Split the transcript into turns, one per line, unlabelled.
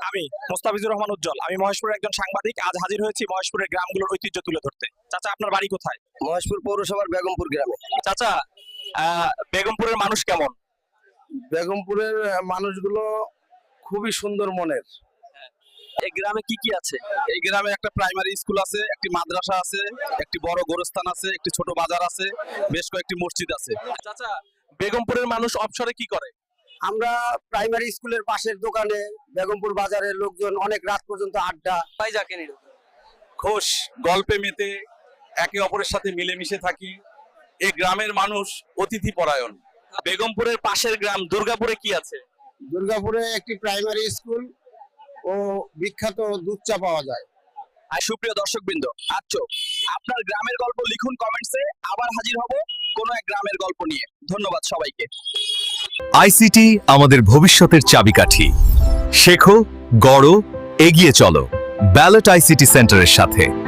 আমি মোস্তাফিজুর রহমান উজ্জ্বল, আমি মহেশপুরের একজন সাংবাদিক। আজ হাজির হয়েছি মহেশপুরের গ্রামগুলোর ঐতিহ্য তুলে ধরতে। চাচা, আপনার বাড়ি কোথায়?
মহেশপুর পৌরসভার বেগমপুর গ্রামে।
চাচা, বেগমপুরের মানুষ কেমন?
বেগমপুরের মানুষগুলো খুবই সুন্দর মনের।
এই গ্রামে কি কি আছে?
এই গ্রামে একটা প্রাইমারি স্কুল আছে, একটি মাদ্রাসা আছে, একটি বড় গোরস্থান আছে, একটি ছোট বাজার আছে, বেশ কয়েকটি মসজিদ আছে।
চাচা, বেগমপুরের মানুষ অবসরে কি করে?
আমরা প্রাইমারি স্কুলের পাশের দোকানে বেগমপুর বাজারের লোকজন অনেক রাত পর্যন্ত আড্ডা
তাই যাকে নিল
খোশ গল্পে মেতে একে অপরের সাথে মিলেমিশে থাকি। এই গ্রামের মানুষ অতিথি পরায়ণ।
বেগমপুরের পাশের গ্রাম দুর্গাপুরে কি আছে?
দুর্গাপুরে একটি প্রাইমারি স্কুল ও বিখ্যাত দুধ চা পাওয়া যায়।
আর সুপ্রিয় দর্শকবৃন্দ, আচ্ছা, আপনার গ্রামের গল্প লিখুন কমেন্টসে। আবার হাজির হব কোন এক গ্রামের গল্প নিয়ে। ধন্যবাদ সবাইকে।
আইসিটি আমাদের ভবিষ্যতের চাবিকাঠি। শেখো, গড়ো, এগিয়ে চলো ব্যালট আইসিটি সেন্টারের সাথে।